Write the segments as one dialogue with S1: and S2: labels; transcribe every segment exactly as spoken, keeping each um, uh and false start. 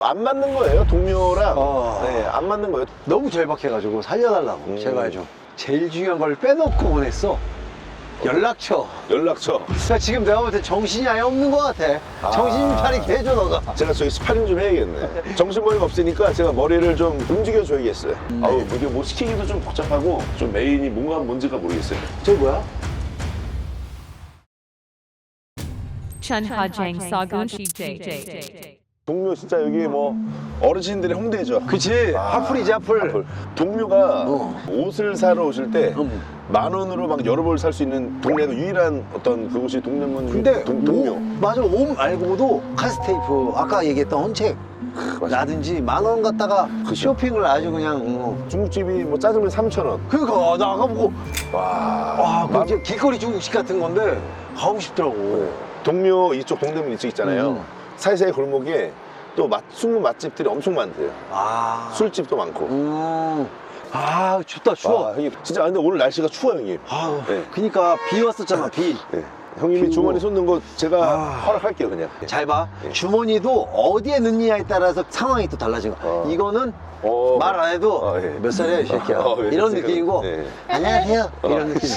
S1: 안 맞는 거예요, 동료랑.
S2: 어.
S1: 네, 안 맞는 거예요.
S2: 너무 절박해가지고 살려달라고
S1: 음.
S2: 제발 좀. 제일 중요한 걸 빼놓고 보냈어. 연락처.
S1: 연락처.
S2: 그러니까 지금 내가 볼 때 정신이 아예 없는 것 같아.
S1: 아.
S2: 정신 차리게 해줘 너가.
S1: 제가 저기 스파링 좀 해야겠네. 정신머리가 없으니까 제가 머리를 좀 움직여줘야겠어요.
S2: 음.
S1: 아우, 이게 뭐 시키기도 좀 복잡하고 좀 메인이 뭔가 뭔지가 모르겠어요.
S2: 저기 뭐야?
S3: Chunhajang Sagun Shijay.
S1: 동묘 진짜 여기 뭐 어르신들의 홍대죠.
S2: 그치.
S1: 아,
S2: 하풀이지 하풀.
S1: 하풀. 동묘가
S2: 어.
S1: 옷을 사러 오실 때 만
S2: 음.
S1: 원으로 막 여러 벌 살 수 있는 동네가 유일한 어떤 그곳이 동대문
S2: 근데
S1: 동, 동묘.
S2: 옷, 맞아. 옷 말고도 카스테이프 아까 얘기했던 헌책 라든지 만 원 갖다가
S1: 그죠.
S2: 쇼핑을 아주 그냥 어.
S1: 중국집이 뭐 짜장면 삼천 원.
S2: 그러니까 나 아까 보고
S1: 와.
S2: 와, 그
S1: 만-
S2: 이제 길거리 중국식 같은 건데 가고 싶더라고.
S1: 동묘 이쪽 동대문 이쪽 있잖아요.
S2: 음.
S1: 사이사이 골목에 또 맛, 숨은 맛집들이 엄청 많대요.
S2: 아,
S1: 술집도 많고.
S2: 음, 아 춥다 추워.
S1: 와, 형님. 진짜 근데 오늘 날씨가 추워요, 형님.
S2: 아,
S1: 네.
S2: 그니까 비 왔었잖아 비.
S1: 네. 형님이
S2: 비
S1: 주머니
S2: 오고.
S1: 쏟는 거 제가
S2: 아.
S1: 허락할게요, 그냥.
S2: 잘 봐.
S1: 네.
S2: 주머니도 어디에 넣느냐에 따라서 상황이 또 달라진 거야.
S1: 어.
S2: 이거는
S1: 어.
S2: 말 안 해도
S1: 어, 예.
S2: 몇 살이야 이 새끼야.
S1: 어, 예,
S2: 이런
S1: 그러니까.
S2: 느낌이고
S1: 예.
S2: 안녕하세요 이런
S1: 어,
S2: 느낌.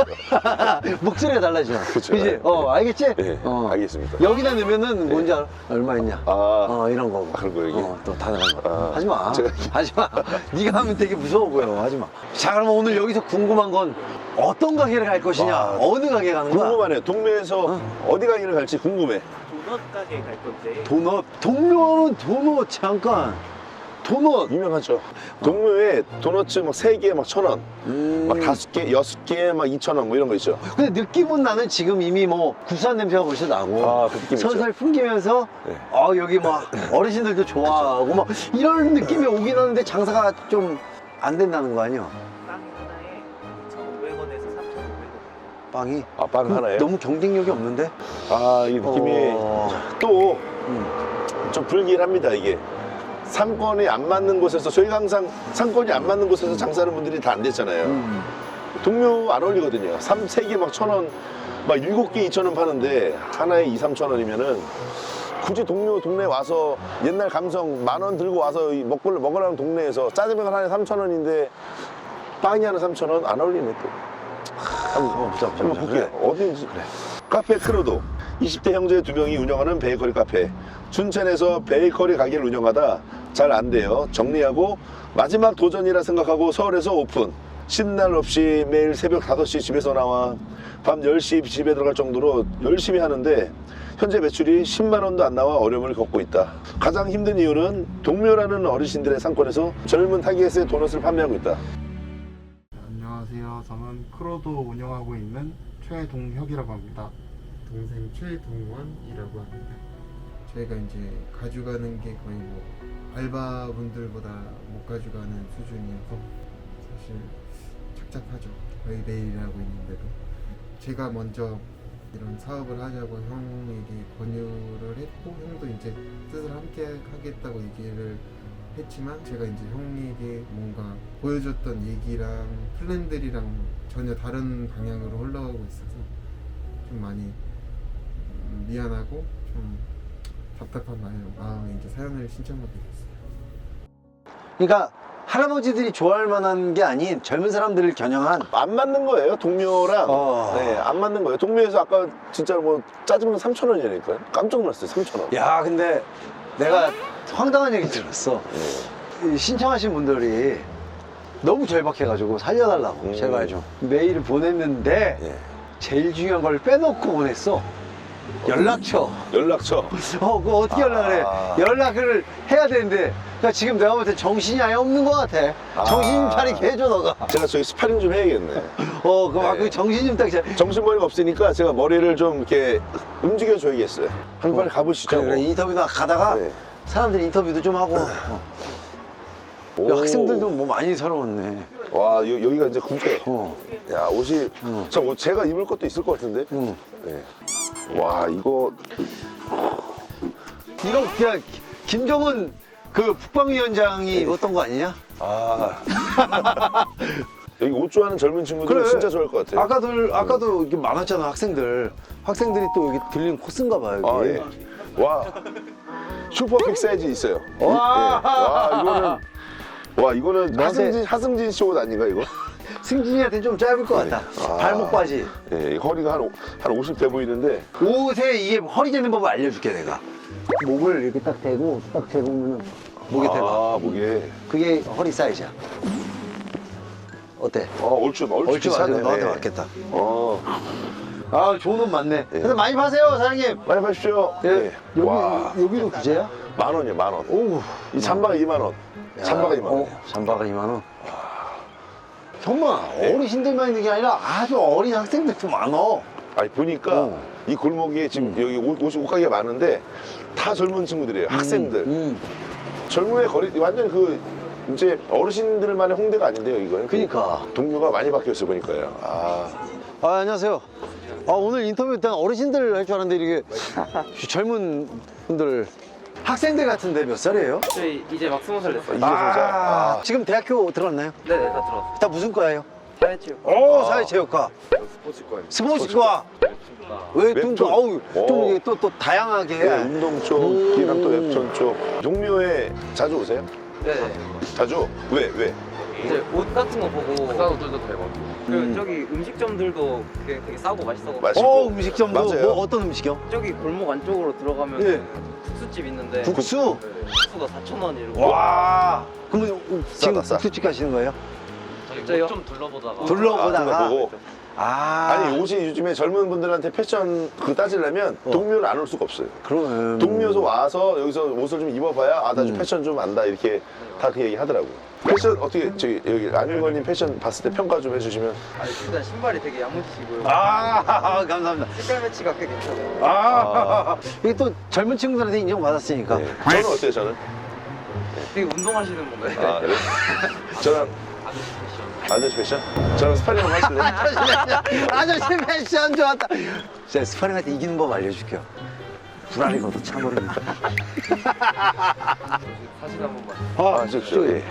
S2: 목소리가 달라져.
S1: 그쵸.
S2: 그지? 어 알겠지?
S1: 예,
S2: 어.
S1: 알겠습니다.
S2: 여기다 넣으면은 뭔지 알아? 얼마 있냐?
S1: 아,
S2: 어 이런 거고.
S1: 그런 거 얘기.
S2: 어, 또 다양한 거.
S1: 아,
S2: 하지 마.
S1: 제가-
S2: 하지 마. 네가 하면 되게 무서워 보여. 하지 마. 자 그럼 오늘 여기서 궁금한 건 어떤 가게를 갈 것이냐?
S1: 와,
S2: 어느 가게 가는 거야?
S1: 궁금하네요. 동묘에서 어. 디 가기를 갈지 궁금해.
S4: 도넛 가게 갈 건데
S2: 도넛. 동묘는 도넛 잠깐. 도넛.
S1: 유명하죠. 동묘에 도너츠 막 세 개 막 천 원,
S2: 음.
S1: 막 다섯 개, 여섯 개 막 이천 원 뭐 이런 거 있죠.
S2: 근데 느낌은 나는 지금 이미 뭐 구수한 냄새가 벌써 나고
S1: 아, 그 느낌 있죠.
S2: 설설 풍기면서
S1: 네.
S2: 아 여기 막 어르신들도 좋아하고 막 이런 느낌이 오긴 하는데 장사가 좀 안 된다는 거 아니야?
S4: 빵 하나에 이천오백 원에서 삼천오백 원.
S2: 빵이
S1: 아, 빵 하나에.
S2: 너무 경쟁력이 없는데?
S1: 아, 이 느낌이
S2: 어.
S1: 또
S2: 음.
S1: 좀 불길합니다, 이게. 상권이 안 맞는 곳에서, 저희가 항상 상권이 안 맞는 곳에서 장사하는 분들이 다 안 됐잖아요.
S2: 음.
S1: 동묘 안 어울리거든요. 삼, 세 개 막 천 원, 막 일곱 개 이천 원 파는데 하나에 이, 삼천 원이면은 굳이 동묘 동네에 와서 옛날 감성 만 원 들고 와서 이 먹고 먹으라는 동네에서 짜장면 하나에 삼천 원인데 빵이 하나 삼천 원 안 어울리네 또.
S2: 한번 보자 보자
S1: 한번
S2: 보자.
S1: 볼게요. 어딘지. 그래. 카페 크로도. 이십 대 형제 두 명이 운영하는 베이커리 카페. 춘천에서 베이커리 가게를 운영하다 잘 안 돼요. 정리하고 마지막 도전이라 생각하고 서울에서 오픈. 쉬는 날 없이 매일 새벽 다섯 시 집에서 나와 밤 열 시 집에 들어갈 정도로 열심히 하는데 현재 매출이 십만 원도 안 나와 어려움을 겪고 있다. 가장 힘든 이유는 동묘라는 어르신들의 상권에서 젊은 타깃의 도넛을 판매하고 있다.
S5: 안녕하세요. 저는 크로도 운영하고 있는 최동혁이라고 합니다. 동생 최동원이라고 합니다. 저희가 이제 가져가는 게 거의 뭐 알바분들보다 못 가져가는 수준이어서 사실 착잡하죠. 거의 매일 하고 있는데도 제가 먼저 이런 사업을 하자고 형에게 권유를 했고 형도 이제 뜻을 함께 하겠다고 얘기를 했지만 제가 이제 형에게 뭔가 보여줬던 얘기랑 플랜들이랑 전혀 다른 방향으로 흘러가고 있어서 좀 많이 음, 미안하고 좀 답답한 마음, 마음에 이제 사연을 신청하게 됐어요.
S2: 그러니까 할아버지들이 좋아할 만한 게 아닌 젊은 사람들을 겨냥한
S1: 안 맞는 거예요, 동묘랑.
S2: 어.
S1: 네, 안 맞는 거예요. 동묘에서 아까 진짜 뭐 짜장면 삼천 원이라니까요. 깜짝 놀랐어요, 삼천 원.
S2: 야 근데 내가 황당한 얘기 들었어.
S1: 네.
S2: 이 신청하신 분들이 너무 절박해가지고 살려달라고
S1: 음.
S2: 제발 좀 메일을 보냈는데
S1: 예.
S2: 제일 중요한 걸 빼놓고 보냈어. 연락처.
S1: 연락처.
S2: 어, 그거 어떻게 연락을 해?
S1: 아.
S2: 연락을 해야 되는데 그러니까 지금 내가 볼 때 정신이 아예 없는 것 같아.
S1: 아.
S2: 정신 차리게 해줘 너가.
S1: 제가 저기 스파링 좀 해야겠네.
S2: 어, 그럼
S1: 네.
S2: 그 정신 좀 딱. 차-
S1: 정신머리가 없으니까 제가 머리를 좀 이렇게 움직여줘야겠어요. 한 번 가보시죠.
S2: 그래, 그래, 인터뷰나 가다가
S1: 네.
S2: 사람들 인터뷰도 좀 하고. 어.
S1: 오.
S2: 야, 학생들도 뭐 많이 서러웠네.
S1: 와, 여, 여기가 이제 굽게.
S2: 어.
S1: 야, 옷이.
S2: 응.
S1: 저 옷 제가 입을 것도 있을 것 같은데?
S2: 응.
S1: 네. 와, 이거.
S2: 이거 그냥 김정은 그 국방위원장이 입었던 거 아니냐?
S1: 아. 여기 옷 좋아하는 젊은 친구들은
S2: 그래.
S1: 진짜 좋아할 것 같아요.
S2: 아까들 아까도 이게 많았잖아 학생들. 학생들이 또 여기 들린 코스인가 봐 여기.
S1: 아, 예. 와. 슈퍼픽 사이즈 있어요.
S2: 와.
S1: 예. 와 이거는 와 이거는
S2: 너한테-
S1: 하승진 하승진 씨 옷 아닌가 이거?
S2: 승진이한테 좀 짧을 것 같다.
S1: 아.
S2: 발목 바지.
S1: 예, 허리가 한, 오- 한 오십 돼 보이는데
S2: 옷에 이게 허리 재는 법을 알려줄게 내가. 목을 이렇게 딱 대고 딱 재보면은 목에 대봐.
S1: 아 목에
S2: 그게 허리 사이즈야. 어때?
S1: 어 얼추 얼추
S2: 얼추 맞아.
S1: 비슷하네.
S2: 너한테 맞겠다.
S1: 어
S2: 아 좋은 옷 많네. 근데 많이 파세요 사장님.
S1: 많이 파십시오.
S2: 예. 여기
S1: 와
S2: 여기도 구제야?
S1: 만 원이요 만 원.
S2: 오우.
S1: 이 잠바가 이만 원. 잠바가 이만 원.
S2: 어, 잠바가 이만 원. 정말 어르신들만 있는 게 아니라 아주 어린 학생들도 많어.
S1: 아니 보니까
S2: 어.
S1: 이 골목에 지금 여기 옷, 옷, 옷가게가 많은데 다 젊은 친구들이에요. 학생들.
S2: 음.
S1: 젊은의 거리 완전 그 이제 어르신들만의 홍대가 아닌데요 이거는.
S2: 그러니까.
S1: 동료가 많이 바뀌었어요 보니까요. 아
S2: 아 안녕하세요. 아 오늘 인터뷰 일단 어르신들 할 줄 알았는데 이게 젊은 분들 학생들 같은데 몇 살이에요?
S4: 저희 이제 막 스무 살 됐어요.
S1: 이제 진짜 아,
S2: 지금 대학교 들어갔나요?
S4: 네네 다 들어왔어요.
S2: 다 무슨 과예요?
S4: 사회체육.
S2: 오 사회체육과.
S1: 스포츠과.
S2: 스포츠과. 웹툰과.
S1: 웹툰.
S2: 어우 좀
S1: 오.
S2: 이게 또 또 다양하게.
S1: 네, 운동 쪽이랑 또 웹툰 쪽. 동묘에 자주 오세요?
S4: 네네.
S1: 자주? 왜? 왜?
S4: 이제 옷 같은 거 보고 비싼 옷들도 되고. 그리고
S2: 음.
S4: 저기 음식점들도 되게, 되게 싸고 맛있어가지고.
S1: 맛있고.
S2: 어 음식점도
S1: 맞아요.
S2: 뭐 어떤 음식이요?
S4: 저기 골목 안쪽으로 들어가면
S2: 예.
S4: 국수집 있는데
S2: 국수.
S4: 국수가 사천 원 이러고.
S2: 와. 그러면 지금
S1: 싸다, 싸.
S2: 국수집 가시는 거예요?
S4: 저희 좀 둘러보다가.
S2: 둘러보다가.
S1: 아, 보고.
S2: 아.
S1: 아니 옷이 요즘에 젊은 분들한테 패션 그 따지려면
S2: 어.
S1: 동묘는 안 올 수가 없어요.
S2: 그러면
S1: 동묘에서 와서 여기서 옷을 좀 입어봐야 아 나 좀
S2: 음.
S1: 패션 좀 안다 이렇게 다 그 얘기 하더라고요. 패션 어떻게 저기 여기 안일건님 패션 봤을 때 평가 좀 해주시면.
S4: 아니, 일단 신발이 되게 야무지시고요.
S2: 아 감사합니다.
S4: 색깔 매치가 꽤 괜찮아요.
S2: 아, 이게 또 젊은 친구들한테 인정받았으니까.
S1: 네. 저는 어때요 저는?
S4: 되게 운동하시는 분들.
S1: 아 그래? 저는 아저씨 패션? 저는 스파링 한번 하실래요?
S2: 아저씨 패션 좋았다. 제가 스파링 할 때 이기는 법 알려줄게요. 불알이 걷어 차버립니다.
S4: 사진 한 번만.
S1: 아, 저, 저, 예.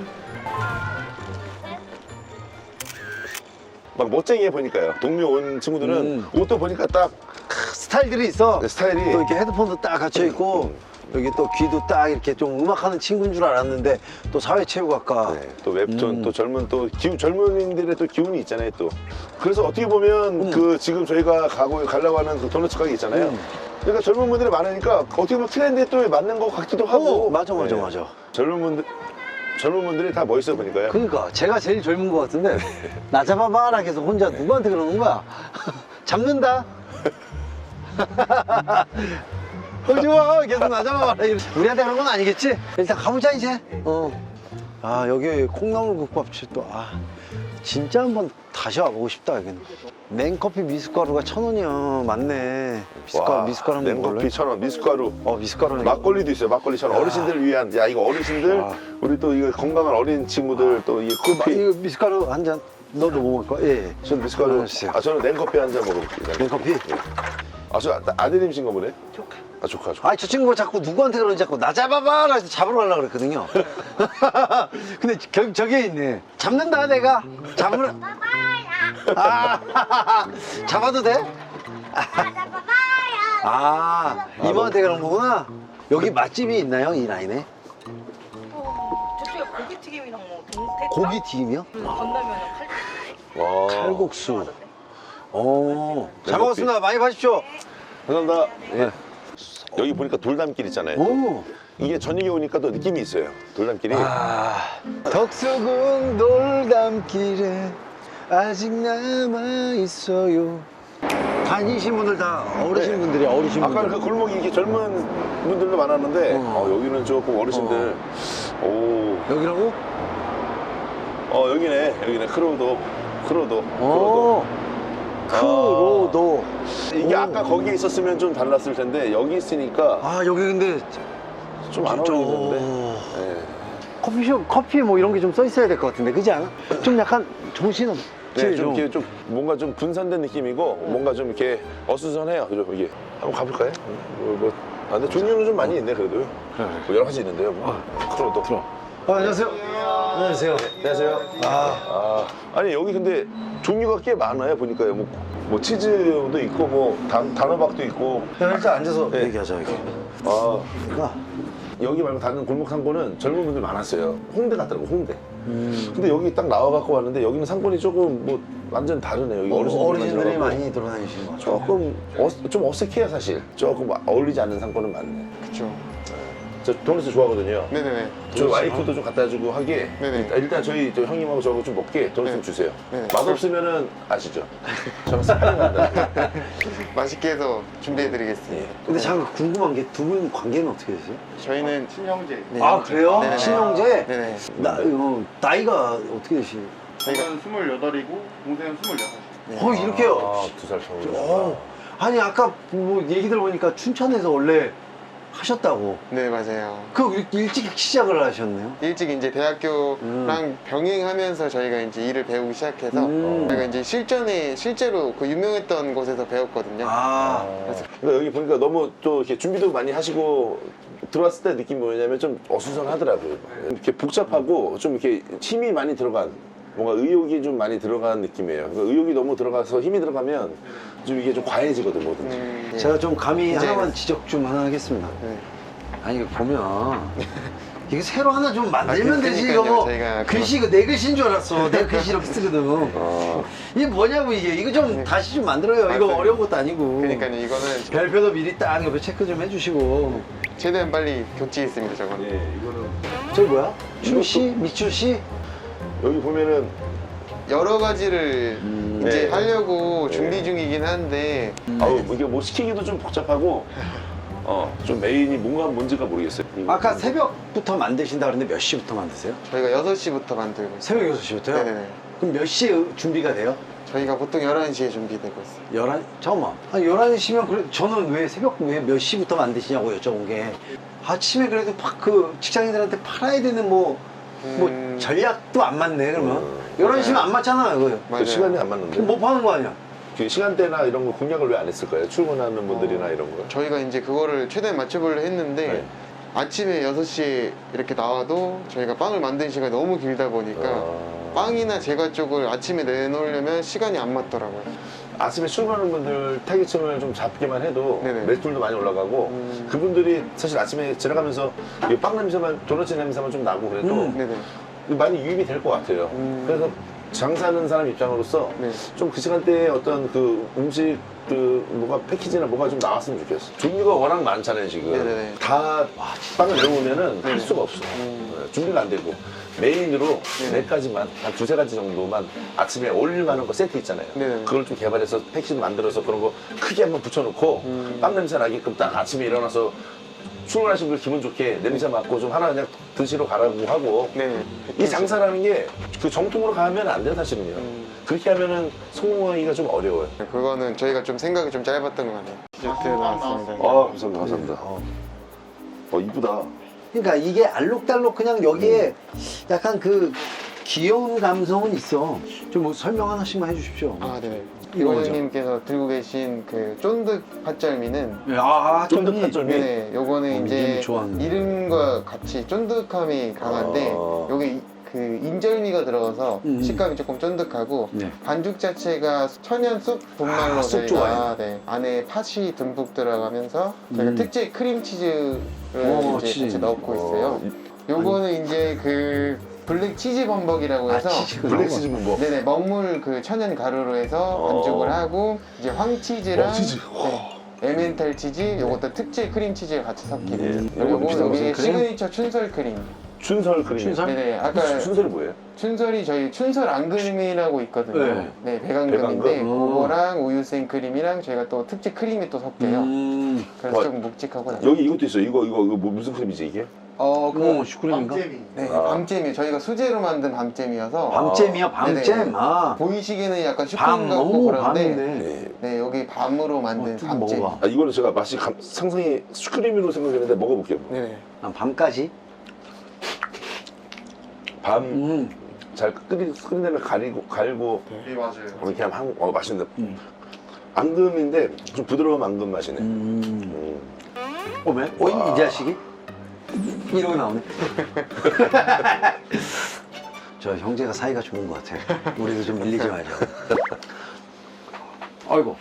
S1: 막 멋쟁이해 보니까요. 동료 온 친구들은
S2: 음.
S1: 옷도 보니까 딱
S2: 스타일들이 있어.
S1: 스타일이
S2: 또 이렇게 헤드폰도 딱 갖춰 있고 여기 또 귀도 딱 이렇게 좀 음악하는 친구인 줄 알았는데 또 사회체육학과.
S1: 네, 또 웹툰
S2: 음.
S1: 또 젊은 또 기운 젊은이들의 또 기운이 있잖아요 또. 그래서 어떻게 보면
S2: 음.
S1: 그 지금 저희가 가고 가려고 하는 그 도넛 가게 있잖아요.
S2: 음.
S1: 그러니까 젊은 분들이 많으니까 어떻게 보면 트렌드에 또 맞는 것 같기도 하고.
S2: 어, 맞아 맞아
S1: 네.
S2: 맞아.
S1: 젊은 분들 젊은 분들이 다 멋있어 보니까요.
S2: 그러니까 제가 제일 젊은 것 같은데 나 잡아봐라 계속 혼자 누구한테 그러는 거야? 잡는다. 오지 마 계속 나 잡아봐라. 우리한테 그런 건 아니겠지? 일단 가보자 이제. 어. 아 여기 콩나물 국밥집 또 아 진짜 한번 다시 와보고 싶다 여기는. 냉커피 미숫가루가 천 원이야. 맞네. 미숫가루
S1: 와,
S2: 미숫가루 한번 먹을래?
S1: 냉커피 천 원, 미숫가루.
S2: 어 미숫가루.
S1: 막걸리도 있어요. 막걸리 천 원. 어르신들을 위한. 야 이거 어르신들
S2: 아.
S1: 우리 또 이거 건강한 어린 친구들 또 이 커피.
S2: 이거 미숫가루 한 잔. 너도 뭐 먹을 거야? 예. 예.
S1: 저는 미숫가루.
S2: 하나 주세요.
S1: 아 저는 냉커피 한 잔 먹어볼게요.
S2: 냉커피?
S1: 아저 아, 아드님이신가 보네. 조카. 아 조카 조카.
S2: 아니 저 친구가 자꾸 누구한테 그러는지 자꾸 나 잡아봐라 해서 잡으러 가려고 그랬거든요. 근데 겨, 저게 있네. 잡는다 내가. 잡으러. 아, 잡아도 돼? 아, 이모한테 그런 거구나. 여기 맛집이 있나요 이 라인에?
S6: 어, 저쪽에 고기튀김이랑 뭐 동태
S2: 고기 튀김이요?
S6: 건너면 칼
S1: 와.
S2: 칼국수. 어, 잘
S1: 냉커피.
S2: 먹었습니다. 많이 파십시오.
S1: 감사합니다. 예. 여기 보니까 돌담길 있잖아요.
S2: 오.
S1: 이게 저녁에 오니까 또 느낌이 있어요. 돌담길이.
S2: 아, 덕수궁 돌담길에 아직 남아 있어요. 다니신 분들 다 어르신
S1: 네.
S2: 분들이 어르신
S1: 아까
S2: 분들.
S1: 그 골목이 이렇게 젊은 분들도 많았는데
S2: 어.
S1: 어, 여기는 조금 어르신들. 오.
S2: 여기라고?
S1: 어 여기네 여기네 크로도 크로도
S2: 오. 크로도.
S1: 이게
S2: 오.
S1: 아까 거기에 있었으면 좀 달랐을 텐데 여기 있으니까
S2: 아 여기 근데
S1: 좀 안
S2: 진짜.
S1: 어울리는데. 예.
S2: 커피숍 커피 뭐 이런 게 좀 써 있어야 될 것 같은데 그지 않아? 좀 약간 정신 없지
S1: 네, 좀
S2: 좀.
S1: 이렇게 좀 뭔가 좀 분산된 느낌이고 뭔가 좀 이렇게 어수선해요. 그죠? 이게 한번 가볼까요? 뭐, 뭐 아, 근데 종류는 좀 많이 있네 그래도.
S2: 그래.
S1: 뭐 여러 가지 있는데요. 뭐. 크로도.
S2: 들어. 아, 안녕하세요. 안녕하세요.
S1: 안녕하세요.
S2: 아,
S1: 아, 아니 여기 근데 종류가 꽤 많아요 보니까요. 뭐, 뭐 치즈도 있고 뭐 단, 단호박도 있고.
S2: 야, 일단 앉아서
S1: 네.
S2: 얘기하자 여기.
S1: 아,
S2: 아,
S1: 여기 말고 다른 골목 상권은 젊은 분들 많았어요. 홍대 같더라고 홍대.
S2: 음.
S1: 근데 여기 딱 나와갖고 왔는데 여기는 상권이 조금 뭐 완전 다르네요. 여기
S2: 어,
S1: 어르신들만
S2: 어르신들이
S1: 들어가고.
S2: 많이 돌아다니시는 것 같아요.
S1: 조금 어, 좀 어색해요 사실. 조금 어울리지 않는 상권은 많네.
S5: 그쵸.
S1: 저 도넛 좋아하거든요.
S5: 네네네.
S1: 저 와이프도 좀 갖다 주고 하게.
S5: 네네.
S1: 일단, 일단 저희 저 형님하고 저하고 좀 먹게 도넛 좀
S5: 네.
S1: 주세요.
S5: 네네.
S1: 맛없으면은 아시죠? 저는 사랑한다.
S5: 맛있게 해서 준비해드리겠습니다.
S1: 예.
S2: 근데 잠깐 궁금한 게 두 분 관계는 어떻게 되세요?
S5: 저희는 친형제. 네.
S2: 아, 그래요?
S5: 네네네.
S2: 친형제?
S5: 네네.
S2: 나, 어, 나이가 어떻게 되시나요?
S5: 저희가
S7: 저는 스물여덟이고 동생은 스물여섯.
S5: 네.
S2: 어, 이렇게요?
S1: 아, 두 살 차이.
S2: 어, 아니 아까 뭐 얘기 들어보니까 춘천에서 원래 하셨다고.
S5: 네 맞아요.
S2: 그 일- 일찍 시작을 하셨네요.
S5: 일찍 이제 대학교랑 병행하면서 저희가 이제 일을 배우기 시작해서
S2: 음.
S5: 저희가 이제 실전에 실제로 그 유명했던 곳에서 배웠거든요.
S2: 아,
S1: 그러니까 여기 보니까 너무 또 이렇게 준비도 많이 하시고 들어왔을 때 느낌이 뭐냐면 좀 어수선하더라고요. 이렇게 복잡하고 좀 이렇게 힘이 많이 들어간 뭔가 의욕이 좀 많이 들어간 느낌이에요. 그러니까 의욕이 너무 들어가서 힘이 들어가면 좀 이게 좀 과해지거든 뭐든지.
S5: 음, 네.
S2: 제가 좀 감히
S5: 이제-
S2: 하나만 지적 좀 하나 하겠습니다.
S5: 네.
S2: 아니 이거 보면 이거 새로 하나 좀 만들면
S5: 아,
S2: 되지
S5: 그러니까요.
S2: 이거 뭐
S5: 저희가
S2: 글씨 이거 내 글씨인 줄 알았어. 내 글씨 이렇게 쓰거든.
S1: 아,
S2: 이게 뭐냐고 이게 이거 좀 다시 좀 만들어요. 이거
S5: 맞아요.
S2: 어려운 것도 아니고.
S5: 그러니까 이거는
S2: 별표도 미리 딱 옆에 체크 좀 해주시고.
S5: 최대한 빨리 교체했습니다 저거는.
S1: 네, 이거는
S2: 저기 뭐야? 출시? 미출시?
S1: 여기 보면은
S5: 여러 가지를
S2: 음.
S5: 이제
S1: 네.
S5: 하려고
S1: 네.
S5: 준비 중이긴 한데
S1: 아우 이게 뭐 시키기도 좀 복잡하고 어 좀 메인이 뭔가 뭔지가 모르겠어요.
S2: 아까 새벽부터 만드신다 그랬는데 몇 시부터 만드세요?
S5: 저희가 여섯 시부터 만들고 있어요.
S2: 새벽 여섯 시부터요?
S5: 네네네.
S2: 그럼 몇 시에 준비가 돼요?
S5: 저희가 보통 열한 시에 준비되고 있어요.
S2: 열한 잠깐만. 아니 열한 시면 그래 저는 왜 새벽 왜 몇 시부터 만드시냐고 여쭤본 게 아침에 그래도 팍 그 직장인들한테 팔아야 되는 뭐 뭐
S5: 음.
S2: 전략도 안 맞네 그러면
S1: 음.
S2: 열한 시면 안 맞잖아요 이거.
S1: 그
S5: 맞아요.
S1: 시간이 안 맞는데.
S2: 그럼 뭐 파는 거 아니야?
S1: 그 시간대나 이런 거 공략을 왜 안 했을까요? 출근하는 분들이나 이런 거.
S5: 저희가 이제 그거를 최대한 맞춰보려 했는데
S1: 네.
S5: 아침에 여섯 시에 이렇게 나와도 저희가 빵을 만드는 시간이 너무 길다 보니까
S1: 아.
S5: 빵이나 제과 쪽을 아침에 내놓으려면 시간이 안 맞더라고요.
S1: 아침에 출근하는 분들 타깃층을 좀 잡기만 해도
S5: 네네.
S1: 매출도 많이 올라가고
S5: 음.
S1: 그분들이 사실 아침에 지나가면서 이빵 냄새만 도넛 냄새만 좀 나고 그래도
S2: 음.
S5: 네네.
S1: 많이 유입이 될 것 같아요.
S5: 음.
S1: 그래서 장사하는 사람 입장으로서
S5: 네.
S1: 좀 그 시간대에 어떤 그 음식 그 뭐가 패키지나 뭐가 좀 나왔으면 좋겠어. 종류가 워낙 많잖아요 지금.
S5: 네네네.
S1: 다 빵을 내놓으면은 할
S5: 네네.
S1: 수가 없어.
S5: 음.
S1: 네, 준비가 안 되고 메인으로
S5: 네네.
S1: 네 가지만 한 두세 가지 정도만 아침에 올릴 만한 거 세트 있잖아요.
S5: 네네.
S1: 그걸 좀 개발해서 패키지 만들어서 그런 거 크게 한번 붙여놓고
S5: 음.
S1: 빵 냄새 나게끔 딱 아침에 일어나서 출근하신 분 기분 좋게 냄새 맡고 좀 하나 그냥 드시러 가라고 하고
S5: 네.
S1: 이 장사라는 게 그 정통으로 가면 안 돼요 사실은요.
S5: 음.
S1: 그렇게 하면은 성공하기가 좀 어려워요.
S5: 그거는 저희가 좀 생각이 좀 짧았던 것 같아요. 디저트 나왔습니다.
S1: 아 감사합니다 감사합니다. 어, 어 이쁘다.
S2: 그러니까 이게 알록달록 그냥 여기에 약간 그 귀여운 감성은 있어. 좀 뭐 설명 하나씩만 해주십시오.
S5: 아, 네.
S2: 이거 뭐죠?
S5: 이원님께서 들고 계신 그 쫀득 팥절미는
S2: 아,
S1: 쫀득
S2: 쫀득
S1: 팥절미.
S5: 네네, 요거는
S2: 어,
S5: 이제
S2: 이름이 좋았는데.
S5: 이름과 같이 쫀득함이 강한데
S1: 아.
S5: 여기 그 인절미가 들어가서
S2: 음.
S5: 식감이 조금 쫀득하고
S2: 네.
S5: 반죽 자체가 천연 쑥 분말로
S2: 아, 쑥
S5: 저희가
S2: 좋아해요.
S5: 네, 안에 팥이 듬뿍 들어가면서 저희가
S2: 음.
S5: 특제 크림치즈를
S2: 오,
S5: 이제
S2: 치즈.
S5: 같이 넣고 있어요. 요거는 이제 그 블랙 치즈 범벅이라고
S2: 아,
S5: 해서
S2: 치즈가
S1: 블랙
S2: 너무
S1: 치즈 뭐.
S5: 네네 먹물 그 천연 가루로 해서
S1: 어.
S5: 반죽을 하고 이제 황치즈랑
S1: 어, 치즈.
S5: 네, 에멘탈 치즈 요것도 특제 크림 치즈가 같이 섞인
S1: 예.
S5: 그리고
S1: 요거 비싼
S5: 여기
S1: 무슨
S2: 크림?
S5: 시그니처 춘설 크림
S1: 춘설 크림.
S2: 춘설?
S5: 네네 아까
S1: 춘설이 뭐예요?
S5: 춘설이 저희 춘설 앙금이라고 있거든요.
S2: 네.
S5: 네, 백안금인데
S1: 백안금?
S5: 그거랑 우유 생크림이랑 저희가 또 특제 크림이 또 섞여요.
S2: 음.
S5: 그래서
S1: 와,
S5: 좀 묵직하고 나요.
S1: 여기 이것도 있어. 이거 이거 이거 뭐 무슨 크림이지 이게?
S5: 어, 그
S2: 어, 슈크림인가?
S5: 네,
S1: 아.
S5: 밤잼이 저희가 수제로 만든 밤잼이어서
S2: 밤잼이야, 밤잼.
S5: 네네.
S2: 아,
S5: 보이시기에는 약간
S2: 밤,
S5: 슈크림 같고
S2: 오,
S5: 그런데
S2: 밤이네.
S1: 네.
S5: 네, 여기 밤으로 만든
S2: 어, 좀
S5: 밤잼.
S2: 먹어봐.
S1: 아 이거는 제가 맛이 감, 상상이 슈크림으로 생각했는데 먹어볼게요.
S5: 네네.
S2: 아, 밤까지?
S1: 밤 잘
S2: 음.
S1: 끓이 끓인 다음에 가리고 갈고
S5: 네, 맞아요.
S1: 이렇게 하면 한, 어 맛있는데.
S2: 음.
S1: 앙금인데 좀 부드러운 앙금 맛이네.
S2: 음.
S1: 음.
S2: 오면? 어, 이, 이 자식이? 이러고 나오네. 저 형제가 사이가 좋은 것 같아. 우리도 좀 밀리지 말자. 아이고.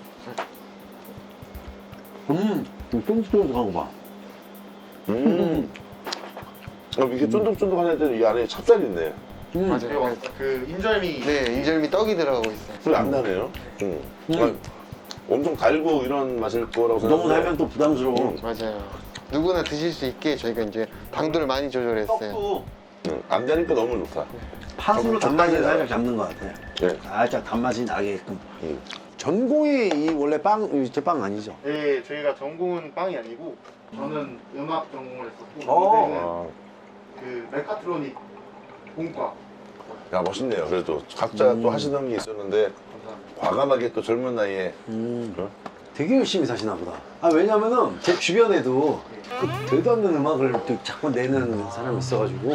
S2: 음, 쫀득쫀득한 거 봐.
S1: 음. 어, 이게 쫀득쫀득한 애들 이 안에 찹쌀이 있네.
S2: 음.
S7: 맞아요. 그 인절미.
S5: 네, 인절미 떡이 들어가고 있어요.
S1: 그게 안 나네요. 음.
S2: 음.
S1: 아, 엄청 달고 이런 맛일 거라고 생각했는데.
S2: 너무 달면 또 부담스러워.
S1: 음.
S5: 맞아요. 누구나 드실 수 있게 저희가 이제 당도를 많이 조절했어요.
S2: 떡도
S1: 음, 안 되니까 너무 좋다.
S2: 팥으로 단맛을 살짝 잡는 것 같아.
S1: 네.
S2: 살짝 단맛이 나게끔.
S1: 음.
S2: 전공이 이 원래 빵, 제 빵 아니죠?
S7: 네, 저희가 전공은 빵이 아니고 저는 음악 전공을 했었고
S2: 어.
S7: 동생은
S1: 아,
S7: 그 메카트로닉 공과.
S1: 야 멋있네요. 그래도 각자
S2: 음.
S1: 또 하시던 게 있었는데
S7: 감사합니다.
S1: 과감하게 또 젊은 나이에
S2: 음.
S1: 어?
S2: 되게 열심히 사시나 보다. 아, 왜냐면은 제 주변에도 그 되도 않는 음악을 또 자꾸 내는 사람이 있어가지고.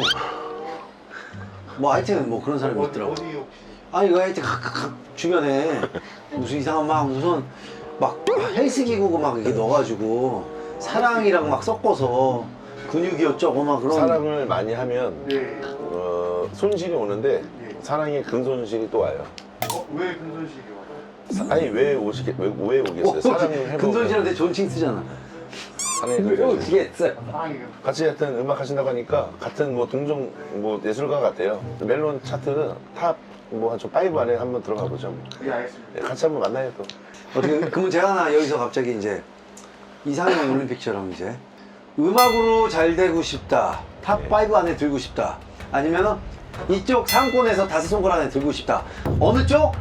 S2: 뭐 하여튼 뭐 그런 사람이
S7: 어디,
S2: 있더라고.
S7: 어디 혹시
S2: 아, 이거 하여튼 각, 각, 각 주변에 무슨 이상한 막 무슨 막 헬스 기구 막 이렇게 넣어가지고 사랑이랑 막 섞어서 근육이 어쩌고 막 그런.
S1: 사랑을 많이 하면
S7: 네.
S1: 어, 손실이 오는데
S7: 네.
S1: 사랑의 근손실이 또 와요.
S7: 어, 왜 근손실이 와요?
S1: 사- 아니 왜 오시게 왜, 왜 오겠어요? 사랑을 해보면
S2: 근손실한테 존칭 쓰잖아.
S1: 사랑의
S2: 왜
S1: 근손실.
S2: 어떻게 했어요?
S7: 사랑이
S1: 같이 하여튼 음악 하신다고 하니까 같은 뭐 동종 뭐 예술가 같아요. 멜론 차트는 탑 뭐 한 저 파이브 안에 한번 들어가 보죠.
S7: 예, 알겠습니다.
S1: 네, 같이 한번 만나요 또.
S2: 어떻게 그러면 제가 하나 여기서 갑자기 이제 이상형 올림픽처럼 이제 음악으로 잘 되고 싶다, 탑
S1: 네.
S2: 파이브 안에 들고 싶다, 아니면은 이쪽 상권에서 다섯 손가락 안에 들고 싶다. 어느 쪽?
S7: 여,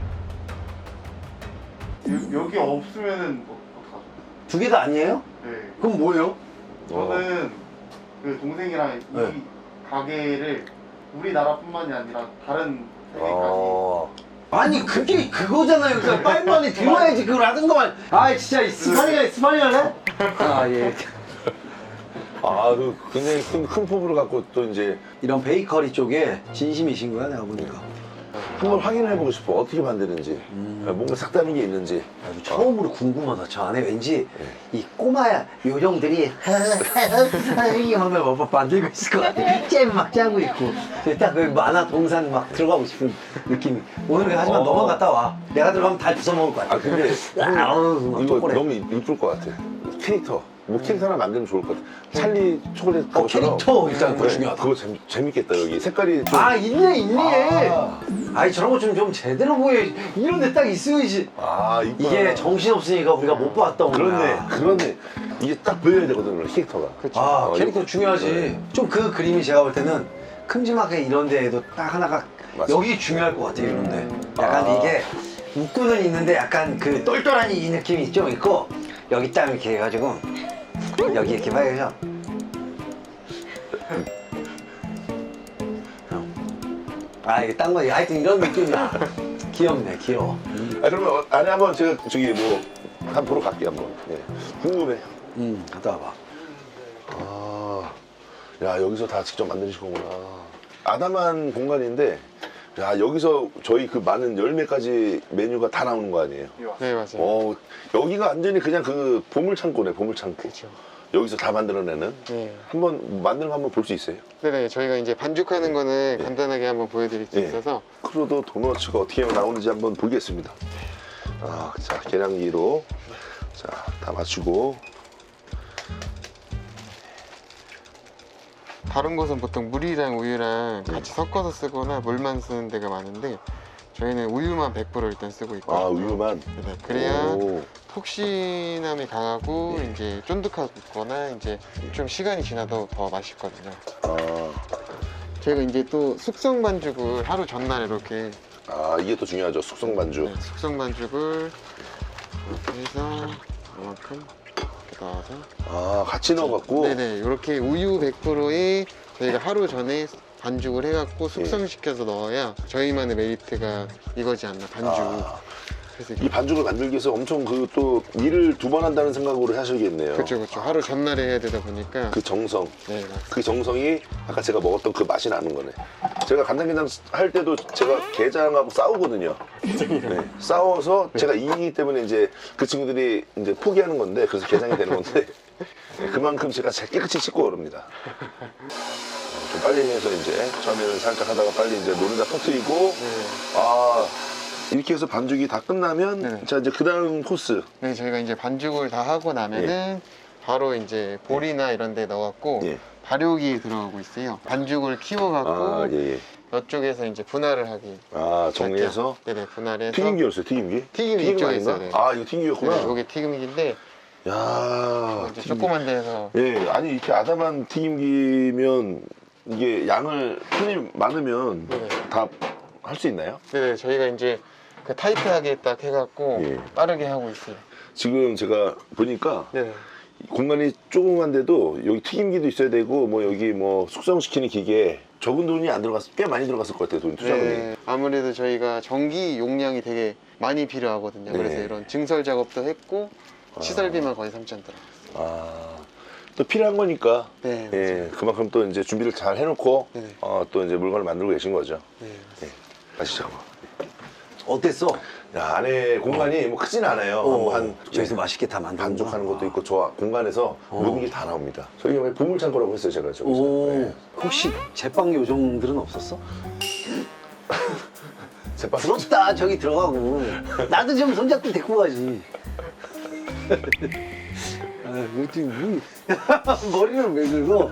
S7: 여기 없으면은 뭐, 어떡하죠?
S2: 두 개 다 아니에요?
S7: 네.
S2: 그럼 뭐예요?
S7: 저는 그 동생이랑 이
S2: 네.
S7: 가게를 우리나라뿐만이 아니라 다른 세계까지
S1: 어.
S2: 아니 그게 그거잖아요. 그러니까 파이브 안에 들어야지 그걸 하든가만. 아 진짜 이 스파니가 스파니할래? 아 예.
S1: 아, 그 굉장히 큰, 큰 포부를 갖고 또 이제
S2: 이런 베이커리 쪽에 진심이신 거야 내가 보니까.
S1: 한번 확인해보고 싶어. 어떻게 만드는지.
S2: 음.
S1: 뭔가 색다른 게 있는지.
S2: 아주 처음으로 궁금하다. 저 안에 왠지
S1: 네.
S2: 이 꼬마 요정들이 하면 뭐 만들고 있을 것 같아. 잼 막 짜고 있고 딱 그 만화 동산 막 들어가고 싶은 느낌이. 오늘 하지만
S1: 어.
S2: 너만 갔다 와. 내가 들어가면 다 주워 먹을 것 같아.
S1: 아, 근데
S2: 아, 어우, 막
S1: 이거
S2: 초콜릿.
S1: 너무 이쁠 것 같아. 캐릭터. 뭐 캐릭터 하나 만들면 좋을 것 같아. 찰리 초콜릿
S2: 어,
S1: 그것처럼.
S2: 캐릭터 일단 그거
S1: 네,
S2: 중요하다.
S1: 그거 재미, 재밌겠다 여기. 색깔이 좀.
S2: 아 있네 있네.
S1: 아.
S2: 아니 저런 거 좀 좀 제대로 보여. 이런 데 딱 있어야지.
S1: 아, 이쁘다.
S2: 이게 정신 없으니까 우리가 못 봤던 거야.
S1: 그렇네, 그렇네. 이게 딱 보여야 되거든, 캐릭터가.
S2: 아
S1: 어,
S2: 캐릭터
S1: 이거-
S2: 중요하지.
S1: 네.
S2: 좀 그 그림이 제가 볼 때는 큼지막하게 이런 데에도 딱 하나가
S1: 맞습니다.
S2: 여기 중요할 것 같아 이런데. 약간
S1: 아.
S2: 이게 웃고는 있는데 약간 그 똘똘한 이 느낌이 좀 있고 여기 딱 이렇게 해가지고 여기 이렇게 봐야죠. 아 이게 딴 거 하여튼 이런 느낌이야. 귀엽네 귀여워.
S1: 아, 그러면 어, 안에 한번 제가 저기 뭐, 한 보러 갈게, 한번. 예. 궁금해.
S2: 음 갔다 와봐.
S1: 아, 야, 여기서 다 직접 만드신 거구나. 아담한 공간인데, 야, 여기서 저희 그 많은 열 매가지 메뉴가 다 나오는 거 아니에요?
S5: 네, 맞아요.
S1: 어, 여기가 완전히 그냥 그 보물창고네, 보물창고.
S5: 그렇죠.
S1: 여기서 다 만들어내는.
S5: 네.
S1: 한번 만드는 거 한번 볼 수 있어요?
S5: 네네, 저희가 이제 반죽하는 거는 간단하게 한번 보여드릴 수
S1: 네.
S5: 있어서
S1: 크루도 도너츠가 어떻게 나오는지 한번 보겠습니다. 아, 자, 계량기로. 자, 다 맞추고.
S5: 다른 곳은 보통 물이랑 우유랑 같이 섞어서 쓰거나 물만 쓰는 데가 많은데 저희는 우유만 백 퍼센트 일단 쓰고 있고
S1: 아, 우유만.
S5: 네, 그래야
S1: 오.
S5: 폭신함이 강하고
S1: 네.
S5: 이제 쫀득하거나 이제 좀 시간이 지나도 더 맛있거든요.
S1: 아,
S5: 저희가 이제 또 숙성 반죽을 하루 전날 이렇게
S1: 아, 이게 또 중요하죠. 숙성 반죽.
S5: 네, 숙성 반죽을 이렇게 해서 이만큼 이렇게 넣어서
S1: 아, 같이 넣어갖고.
S5: 네네 이렇게 우유 백 퍼센트에 저희가 하루 전에 반죽을 해갖고 숙성시켜서 넣어야 저희만의 메리트가 이거지 않나 반죽.
S1: 아,
S5: 그래서
S1: 이 반죽을 만들기 위해서 엄청 그 또 일을 두 번 한다는 생각으로 하셔야겠네요.
S5: 그렇죠 그렇죠 하루 전날에 해야 되다 보니까
S1: 그 정성.
S5: 네 맞습니다.
S1: 그 정성이 아까 제가 먹었던 그 맛이 나는 거네. 제가 간장게장 할 때도 제가 게장하고 싸우거든요. 네, 싸워서 제가 이기기 때문에 이제 그 친구들이 이제 포기하는 건데 그래서 게장이 되는 건데 네, 그만큼 제가 잘 깨끗이 씻고 오릅니다. 좀 빨리 해서 이제 처음에는 살짝 하다가 빨리 이제 노른자 터트리고
S5: 네.
S1: 아 이렇게 해서 반죽이 다 끝나면
S5: 네.
S1: 자 이제 그 다음 코스.
S5: 네, 저희가 이제 반죽을 다 하고 나면은 바로 이제 볼이나 이런 데 넣어갖고
S1: 예.
S5: 발효기에 들어가고 있어요. 반죽을 키워갖고
S1: 아 예, 예.
S5: 이쪽에서 이제 분할을 하기.
S1: 아 정리해서
S5: 네네, 분할해서.
S1: 튀김기였어요, 튀김기?
S5: 튀김이
S1: 튀김
S5: 이쪽에
S1: 아닌가?
S5: 있어요, 네.
S1: 아 이거 튀김기였구나.
S5: 네, 이게 튀김기인데
S1: 야
S5: 이제
S1: 튀김기.
S5: 조그만 데서
S1: 예, 아니 이렇게 아담한 튀김기면 이게 양을 손이 많으면
S5: 네네.
S1: 다 할 수 있나요?
S5: 네네, 저희가 이제 그 타이트하게 딱 해갖고
S1: 예.
S5: 빠르게 하고 있어요.
S1: 지금 제가 보니까
S5: 네네.
S1: 공간이 조그만데도 여기 튀김기도 있어야 되고 뭐 여기 뭐 숙성시키는 기계 적은 돈이 안 들어갔 꽤 많이 들어갔을 것 같아요, 돈 투자금이.
S5: 네, 아무래도 저희가 전기 용량이 되게 많이 필요하거든요.
S1: 네.
S5: 그래서 이런 증설 작업도 했고 시설비만 거의 삼천 들어갔어요.
S1: 아, 또 필요한 거니까.
S5: 네,
S1: 예, 그만큼 또 이제 준비를 잘 해놓고
S5: 네네.
S1: 어, 또 이제 물건을 만들고 계신 거죠.
S5: 네.
S1: 예, 가시죠.
S2: 어땠어?
S1: 야, 안에 공간이 뭐 크진 않아요.
S2: 어,
S1: 뭐 한
S2: 저기서 맛있게 다 만든
S1: 반죽하는 것도 있고 저 공간에서 모든 게 다 나옵니다. 저희가 왜 보물창고라고 했어요, 제가 저기서.
S2: 오,
S1: 네.
S2: 혹시 제빵 요정들은 없었어?
S1: 제빵
S2: 부럽다. 저기 들어가고 나도 좀 손잡고 데리고 가지. 아, 어떻게 뭐- 머리를 왜 긁어?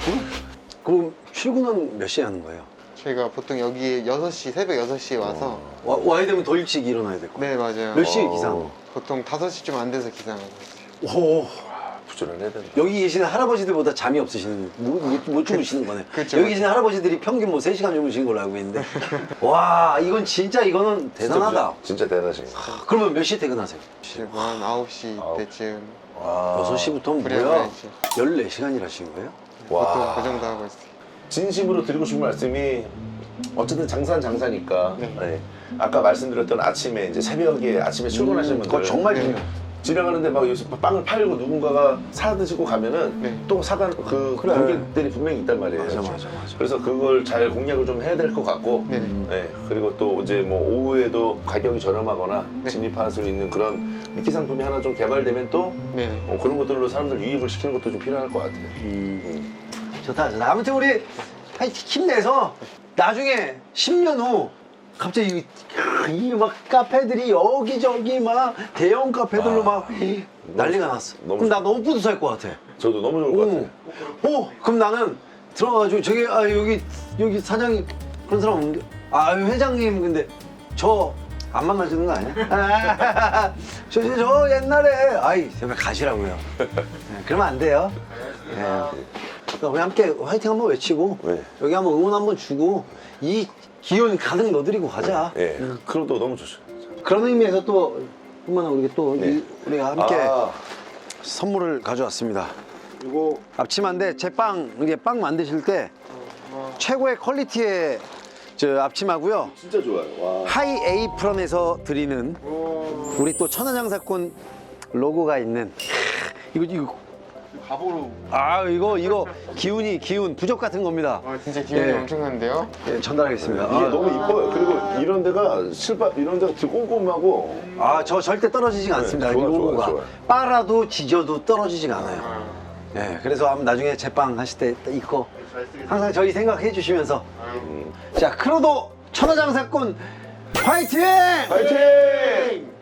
S2: 그럼 출근은 몇 시에 하는 거예요?
S5: 저희가 보통 여기에 여섯 시, 새벽 여섯 시에 와서
S2: 와, 와야 되면 더 일찍 일어나야 될 거야.
S5: 네, 맞아요.
S2: 몇 시에
S1: 어.
S2: 기상?
S5: 보통 다섯 시쯤 안 돼서 기상하고 있어요.
S2: 오,
S1: 부지런해야 된다.
S2: 여기 계시는 할아버지들보다 잠이 없으시는, 못, 못, 못 주무시는 거네.
S5: 그쵸,
S2: 여기 계시는 할아버지들이 평균 뭐 세 시간 주무시는 걸로 알고 있는데. 와, 이건 진짜 이거는 대단하다.
S1: 진짜, 진짜 대단하신 거.
S2: 아, 그러면 몇 시에 퇴근하세요?
S5: 지금 한 아홉 시
S1: 아홉.
S5: 때쯤
S1: 와.
S2: 여섯 시부터면
S5: 그래요,
S2: 뭐야?
S5: 그래야지.
S2: 열네 시간 일하시는 거예요?
S5: 보통
S1: 와.
S5: 그 정도 하고 있어요.
S1: 진심으로 드리고 싶은 말씀이 어쨌든 장사는 장사니까.
S5: 네.
S1: 네. 아까 말씀드렸던 아침에 이제 새벽에 아침에 출근하시는 분들
S2: 그거 정말
S5: 네.
S2: 중요해.
S1: 지나가는데 막 여기서 빵을 팔고 누군가가 사 드시고 가면은
S5: 네.
S1: 또 사간 그
S2: 그래.
S1: 고객들이 분명히 있단 말이에요.
S2: 맞아, 맞아, 맞아.
S1: 그래서 그걸 잘 공략을 좀 해야 될 것 같고.
S5: 네.
S1: 네. 그리고 또 이제 뭐 오후에도 가격이 저렴하거나
S5: 네.
S1: 진입할 수 있는 그런 미끼 상품이 하나 좀 개발되면 또
S5: 네.
S1: 어, 그런 것들로 사람들 유입을 시키는 것도 좀 필요할 것 같아요.
S2: 음. 좋다, 좋다. 아무튼 우리 하여튼 힘내서 나중에 십 년 후 갑자기 이 막 카페들이 여기저기 막 대형 카페들로
S1: 아,
S2: 막 난리가 났어.
S1: 너무
S2: 그럼 나 너무 뿌듯할 것 같아.
S1: 저도 너무 좋을 것 같아요.
S2: 오, 오, 그럼 나는 들어가가지고 저기 아 여기 여기 사장이 그런 사람 없는데 아 회장님 근데 저 안 만나주는 거 아니야? 아, 저, 저, 저 옛날에 아이 제발 가시라고요. 네, 그러면 안 돼요. 네. 그러니까 우리 함께 화이팅 한번 외치고
S1: 네.
S2: 여기 한번 응원 한번 주고 이 기운 가득 넣어드리고 가자.
S1: 예, 그것도 너무 좋죠.
S2: 그런 의미에서 또 얼마나 우리 또
S1: 네.
S2: 이- 우리가 함께
S1: 아,
S2: 선물을 가져왔습니다.
S5: 이거
S2: 앞치마인데 제빵 이게 빵 만드실 때 최고의 퀄리티의 저 앞치마고요.
S1: 진짜 좋아요. 와.
S2: 하이 에이프런에서 드리는 우리 또 천안장사꾼 로고가 있는 이거 이거
S5: 갑오로.
S2: 아 이거 이거 기운이 기운 부적 같은 겁니다.
S5: 아, 진짜 기분이
S2: 예.
S5: 엄청난데요?
S2: 예, 전달하겠습니다.
S1: 이게
S2: 아,
S1: 너무 이뻐요. 그리고 이런 데가 실밥 이런 데가 되게 꼼꼼하고
S2: 아, 저 절대 떨어지지가 않습니다.
S1: 좋아,
S2: 이
S1: 좋아,
S2: 로고가
S1: 좋아.
S2: 빨아도 지져도 떨어지지가 않아요.
S5: 아,
S2: 예, 그래서 한번 나중에 제빵 하실 때 이거
S5: 잘 쓰겠습니다.
S2: 항상 저희 생각해 주시면서
S1: 음.
S2: 자 크로도 천하장사꾼 화이팅!
S1: 파이팅!